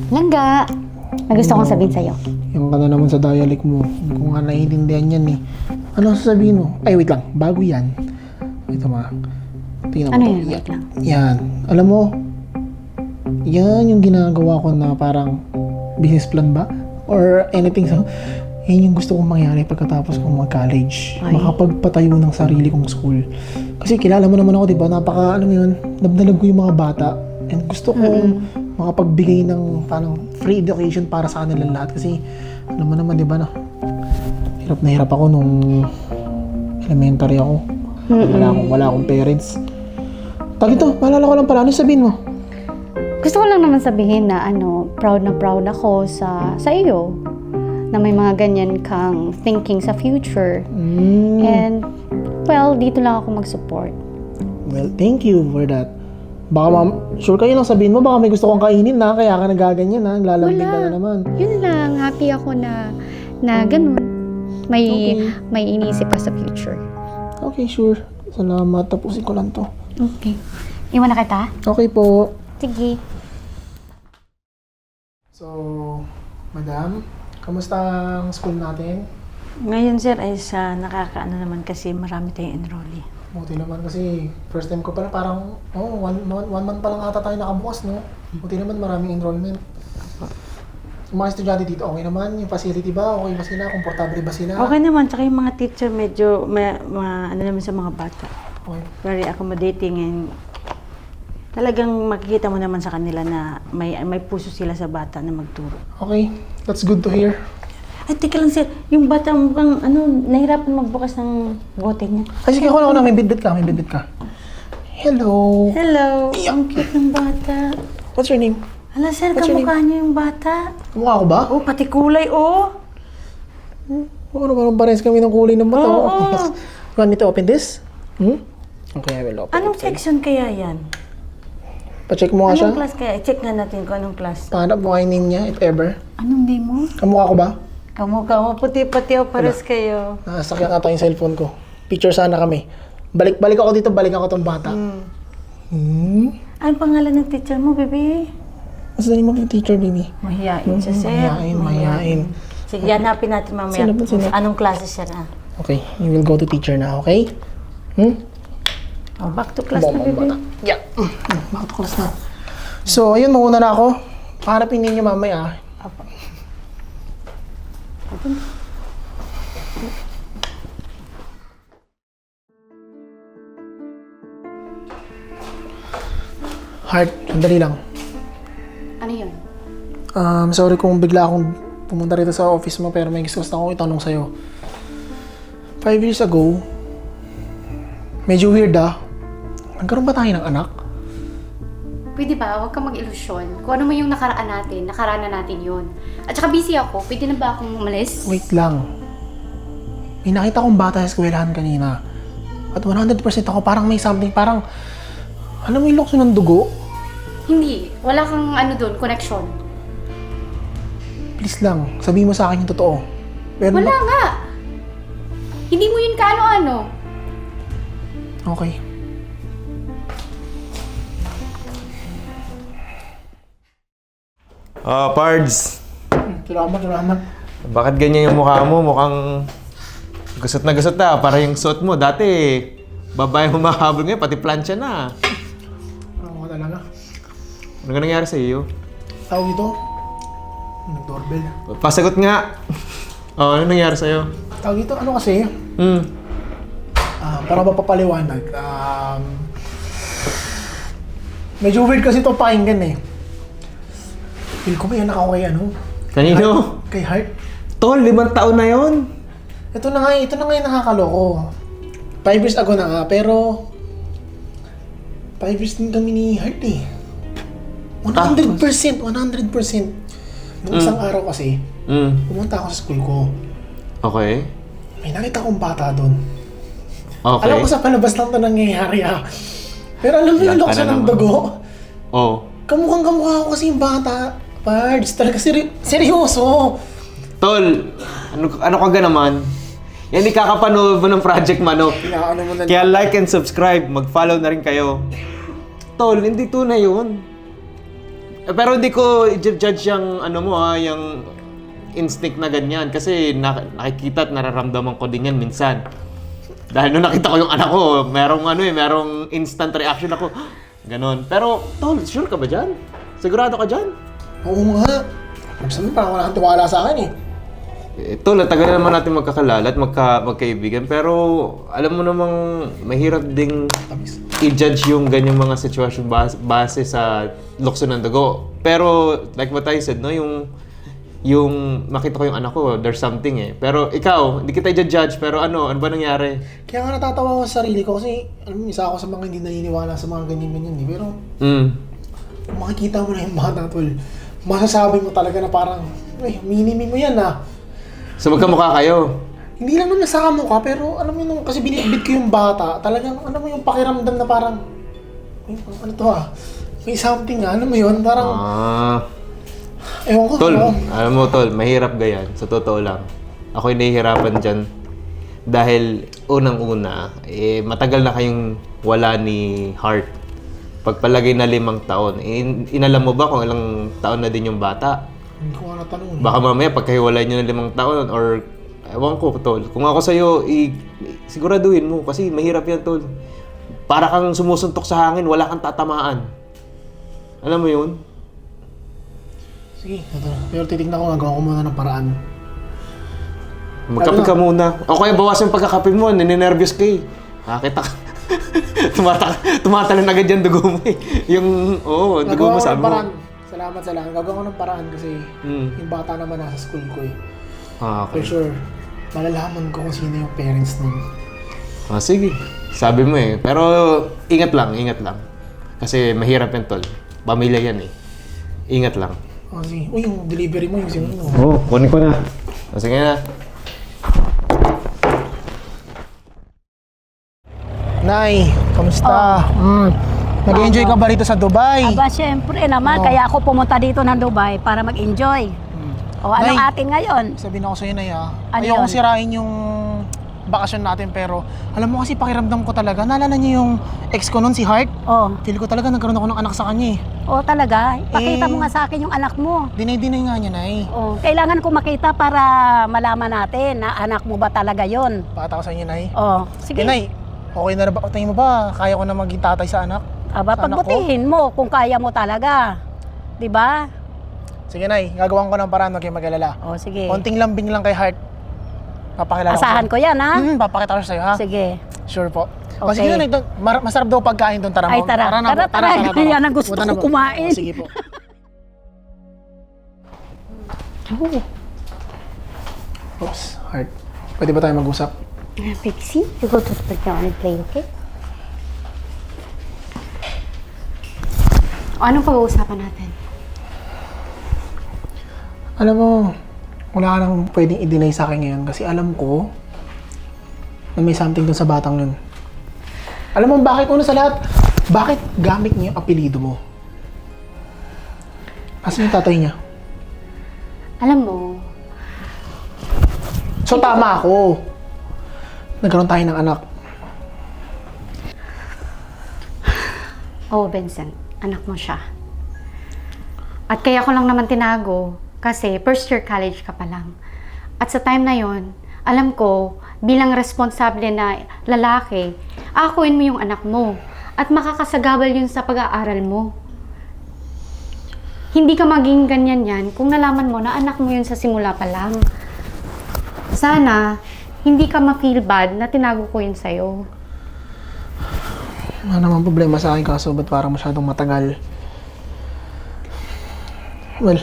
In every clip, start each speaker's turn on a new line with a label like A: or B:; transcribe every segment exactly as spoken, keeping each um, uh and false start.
A: Langga, may gusto kong sabihin sa'yo.
B: Yung ka na naman sa dialect mo. Hindi ko nga naiintindihan yan eh. Ano ang sasabihin mo? Ay, wait lang. Bago yan. Ito ma. Tingnan mo
A: Ano
B: to.
A: yun? Wait lang.
B: Yan. Alam mo, yan yung ginagawa ko na parang business plan ba? Or anything. So, yan yung gusto kong mangyari pagkatapos kong mag-college.
A: Ay.
B: Makapagpatayo ng sarili kong school. Kasi kilala mo naman ako, di ba? Napaka, ano yun, nabnalag ko yung mga bata. And gusto kong mm-hmm. makapagbigay ng parang free education para sa kanilang lahat. Kasi, alam mo naman, di ba na, hirap na hirap ako nung elementary ako. Mm-hmm. Wala akong, wala akong parents. Tag ito, maalala ko lang pala. Ano sabihin mo?
A: Gusto ko lang naman sabihin na ano, proud na proud ako sa sa iyo na may mga ganyan kang thinking sa future.
B: Mm.
A: And, well, dito lang ako mag-support.
B: Well, thank you for that. Baka ma'am, sure kayo lang sabihin mo, baka may gusto kong kainin na, kaya ka nagaganyan na, lalambing ka na naman.
A: Yun lang, happy ako na na ganun. May
B: Okay.
A: may iniisip ka sa future.
B: Okay, sure. Salamat. Tapusin ko lang to.
A: Okay. Iwan na kita?
B: Okay po.
A: Sige.
B: So, madam, kamusta ang school natin?
C: Ngayon sir ay sa nakakaano naman kasi marami tayong enrollee.
B: Buti naman kasi first time ko pala parang, oh, one, one, one month pa lang ata tayo nakabukas, no? Buti naman maraming enrollment. Yung mga estudyante dito, okay naman? Yung facility ba? Okay ba sila? Komportable ba sila?
C: Okay naman, tsaka yung mga teacher medyo ma, ma, ano naman sa mga bata.
B: Okay.
C: Very accommodating and talagang makikita mo naman sa kanila na may may puso sila sa bata na magturo.
B: Okay, that's good to hear.
C: Ay, teka lang sir, yung bata mukhang ano, nahirapan magbukas ng bote niya.
B: Ay, sige, ako na, ako na. May bidbid ka, may bidbid ka. Hello.
C: Hello! Ang cute ng bata.
B: What's your name?
C: Hala sir,
B: What's your
C: kamukha niyo yung bata.
B: Kamukha ko ba?
C: Oh, pati kulay, oh!
B: Oo, parang pares kami ng kulay ng mata.
C: Oo.
B: You want me to open this? Hmm? Okay, I will open
C: Anong
B: it.
C: section kaya yan?
B: Pa-check mo nga siya.
C: Anong class kaya? I-check nga natin kung anong class.
B: Pahanap mo kayo niya, if ever.
C: Anong name mo?
B: Kamukha ko ba?
C: Kamukha mo, puti-puti o pares kayo.
B: Nasakyan ata yung cellphone ko. Picture sana kami. Balik-balik ako dito, balik ako tong bata.
C: Hmm.
B: Hmm?
C: Anong pangalan ng teacher mo, baby?
B: What's the name of your teacher, baby?
C: Mahiyain siya, sir.
B: Mahihain, mahihain.
C: Sige, hanapin natin mamaya.
B: Sino ba, sino?
C: Anong klase siya na?
B: Okay, you will go to teacher na, okay? Hmm?
C: Oh, back to class na, baby.
B: Bata. Yeah. Mm, back to class na. So, ayun, mauna na ako. Paharapin ninyo mamaya.
C: Apa.
B: Heart, sandali lang.
A: Ano yun?
B: Um, sorry kung bigla akong pumunta rito sa office mo pero may gusto gusto akong itanong sa'yo. Five years ago, medyo weird ah. Nagkaroon ba tayo ng anak?
A: Pwede ba? Huwag kang mag-ilusyon. Kung ano man yung nakaraan natin, nakaraan na natin yun. At saka busy ako. Pwede na ba akong umalis?
B: Wait lang. May nakita kong bata sa eskwelahan kanina. At one hundred percent ako parang may something, parang alam mo yung lokso ng dugo?
A: Hindi. Wala kang ano doon, connection.
B: Please lang, sabihin mo sa akin yung totoo. Pero
A: Wala nga. Hindi mo yun kaano-ano.
B: Okay.
D: Ah, Pards.
B: Salamat, salamat.
D: Bakit ganyan yung mukha mo? Mukhang gusot na gusot na. Para yung suot mo. Dati, babae humahabol ngayon. Pati plancha na.
B: Ano ka talaga?
D: Ano nga nangyari sa iyo?
B: Tawag ito? Nag-doorbell.
D: Pasagot nga. Oh, ano nangyari sa iyo?
B: Tawag ito, ano kasi?
D: Hmm.
B: Ah, para mapapaliwanag. Um, medyo weird kasi ito pakinggan eh. Feel ko ba yan ako kay ano?
D: Kanino?
B: Kay Heart.
D: Tol, limang taon na yon.
B: Ito na nga, ito na nga yung nakakaloko. Five years ago na nga, pero five years din kami ni Heart eh. one hundred percent, one hundred percent. Nung isang araw kasi,
D: Hmm.
B: pumunta ako sa school ko.
D: Okay.
B: May nakita kong bata doon.
D: Okay.
B: Alam ko sa palabas lang ito nangyayari ah. Pero alam mo yung
D: Yan ka
B: lokso
D: na
B: ng
D: naman.
B: dugo?
D: Oh.
B: Kamukhang kamukha ko kasi yung bata. Pards, talaga seri- seryoso.
D: Tol, ano, ano ka ga naman? Yan, ikakapanood mo ng Project Manok.
B: Inaano mo na.
D: Kaya like and subscribe, mag-follow na rin kayo. Tol, hindi tunay yun. Eh, pero hindi ko i-judge yung ano mo ha, yung instinct na ganyan. Kasi na- nakikita at nararamdaman ko din yan minsan. Dahil nung nakita ko yung anak ko, merong ano eh, merong instant reaction ako. Ganon. Pero, tol, sure ka ba dyan? Sigurado ka dyan?
B: Oo nga. Sabi parang wala kang tiwala sa akin eh.
D: Eh, tol, tagal naman natin magkakalala at magka, magkaibigan. Pero, alam mo namang mahirap ding
B: Tamis.
D: i-judge yung ganyang mga sitwasyon base, base sa lukso ng dugo. Pero, like what I said, no, yung yung makita ko yung anak ko, there's something eh. Pero ikaw, hindi kita i-judge, pero ano, ano ba nangyari?
B: Kaya nga natatawa ako sa sarili ko kasi alam mo, isa ako sa mga hindi naniniwala sa mga ganyan-ganyan eh. Pero
D: Mm.
B: kung makikita mo na yung bata, tol, masasabi mo talaga na parang, ay, minimi mo yan ah.
D: So magkamukha kayo?
B: Hindi lang naman sa kamukha, pero alam mo yun, kasi binitbit ko yung bata, talagang, alam mo yung pakiramdam na parang, ay, ano to ah, may something ah, ano mo yun, parang,
D: Ah.
B: ewan ko,
D: Tol,
B: ano.
D: alam mo tol, mahirap gayan. Sa totoo lang. Ako'y nahihirapan dyan. Dahil unang-una, eh, matagal na kayong wala ni Heart. Pagpalagay na limang taon. In, inalam mo ba kung ilang taon na din yung bata?
B: Hindi ko nga natanong.
D: Baka mamaya pagkahiwalay nyo ng limang taon or ewan ko tol. Kung ako sa'yo, i, siguraduhin mo kasi mahirap yan tol. Para kang sumusuntok sa hangin, wala kang tatamaan. Alam mo yun?
B: Sige, ito. Pero titignan ko, gagawa ko muna ng paraan.
D: Magkape ka muna. O kaya bawasan yung pagkakape mo, nininervyos ka eh. Nakakita ka. Tumata tumatalon agad yung dugo mo eh. Yung, oo, oh, dugo mo
B: Gagawa ko
D: sabi
B: ng
D: mo.
B: paraan. Salamat sa lang. Gagawa ko ng paraan kasi
D: Hmm.
B: yung bata naman nasa school ko eh.
D: Ah,
B: For
D: okay.
B: sure, malalaman ko kung sino yung parents nun.
D: Ah, sige. Sabi mo eh. Pero ingat lang, ingat lang. Kasi mahirap yan tol. Pamilya yan eh. Ingat lang.
B: O sige, uy, yung delivery mo, yung sino mo.
D: Oo, oh, kunin ko na. O, sige na.
B: Nay, kamusta? Mm. Nag-enjoy ka ba rito sa Dubai?
E: Aba, syempre naman. Kaya ako pumunta dito ng Dubai para mag-enjoy. O, anong
B: Nay.
E: atin ngayon?
B: Sabihin ako sa'yo, Nay, ah.
E: Ano
B: Ayoko
E: yun?
B: sirain yung bakasyon natin, pero alam mo kasi pakiramdam ko talaga. Naalala niyo yung ex ko nun, si Heart?
E: O,
B: Feel ko talaga nagkaroon ako ng anak sa kanya eh.
E: o talaga. Pakita
B: Eh.
E: mo nga sa akin yung anak mo.
B: Dinay-dinay nga niya, Nay.
E: O, kailangan ko makita para malaman natin na anak mo ba talaga yon.
B: Pakita ko sa inyo, Nay.
E: O, sige.
B: Eh, Nay, okay na ba? Tingin mo ba, kaya ko na maging tatay sa anak?
E: Aba,
B: sa anak ko?
E: pagbutihin mo kung kaya mo talaga. 'Di ba?
B: Sige, Nay. Gagawan ko ng paraan, huwag kayong mag-alala.
E: O, sige.
B: Konting lambing lang kay Heart. Papakilala
E: Asahan ko yan, ha?
B: Hmm, papakita ko sa'yo, ha?
E: Sige.
B: Sure po. O
E: Okay.
B: sige na, Nay. Mar- masarap daw pagkain doon. Tara,
E: Ay,
B: mo.
E: tara.
B: na po.
E: Tara, tara. Yan ang gusto
B: Punta na
E: ko
B: po.
E: kumain.
B: O, sige po. Oops, Heart. Pwede ba tayo mag-usap?
A: Uh, Pixie, you go to the playground and play, okay? O, anong pag-uusapan natin?
B: Alam mo, wala ka nang pwedeng i-deny sa akin ngayon kasi alam ko na may something dun sa batang yun. Alam mo bakit? Una sa lahat, bakit gamit niya yung apelido mo? Asan yung tatay niya?
A: Alam mo,
B: So tama ako. Nagkaroon tayo ng anak.
A: oh Vincent, anak mo siya. At kaya ko lang naman tinago kasi first year college ka pa lang. At sa time na yon, alam ko bilang responsable na lalaki, akuin mo yung anak mo at makakasagabal yun sa pag-aaral mo. Hindi ka maging ganyan yan kung nalaman mo na anak mo yun sa simula pa lang. Sana, hindi ka ma-feel bad na tinago ko yun sa'yo.
B: Wala naman problema sa akin kaso ba't parang masyadong matagal? Well,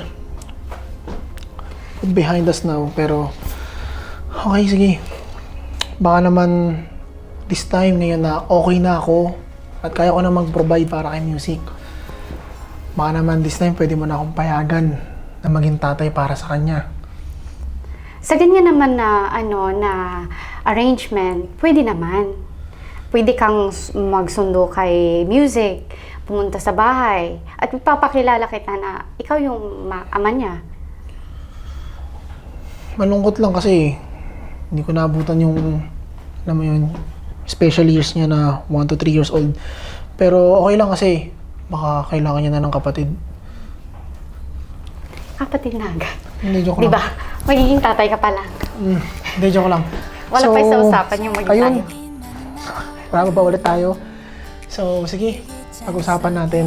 B: behind us now, pero okay, sige. Baka naman this time ngayon na okay na ako at kaya ko na mag-provide para kay music. Baka naman this time pwede mo na akong payagan na maging tatay para sa kanya.
A: Sa ganyan naman na ano na arrangement, pwede naman. Pwede kang s- magsundo kay music, pumunta sa bahay, at ipapakilala kita na ikaw yung ma- ama niya.
B: Malungkot lang kasi hindi ko naabutan yung, alam mo yun, special years niya na one to three years old. Pero okay lang kasi baka kailangan niya na ng kapatid.
A: magkakapatid na agad.
B: Hindi, joke
A: Di
B: lang.
A: ba? Magiging tatay ka pa lang.
B: Mm, hindi, joke lang.
A: Wala pa sa usapan yung maging
B: ayun.
A: tayo.
B: Wala pa ulit tayo. So, sige. Pag-usapan natin.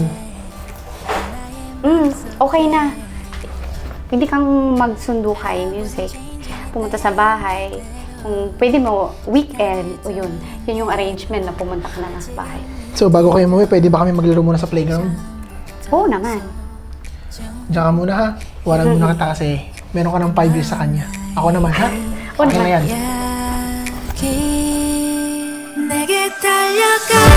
A: Mm, okay na. Hindi kang magsundo kay music. Pumunta sa bahay. Kung pwede mo, weekend, o yun. Yun yung arrangement na pumunta ka na lang sa bahay.
B: So, bago kayo umuwi, pwede ba kami maglaro muna sa playground?
A: Oo naman.
B: Diyan ka muna ha. Walang muna kita kasi meron ka ng five years sa kanya. Ako naman ha.
A: Oo
B: Okay na
A: naman.
B: yan.
F: 내게 달려가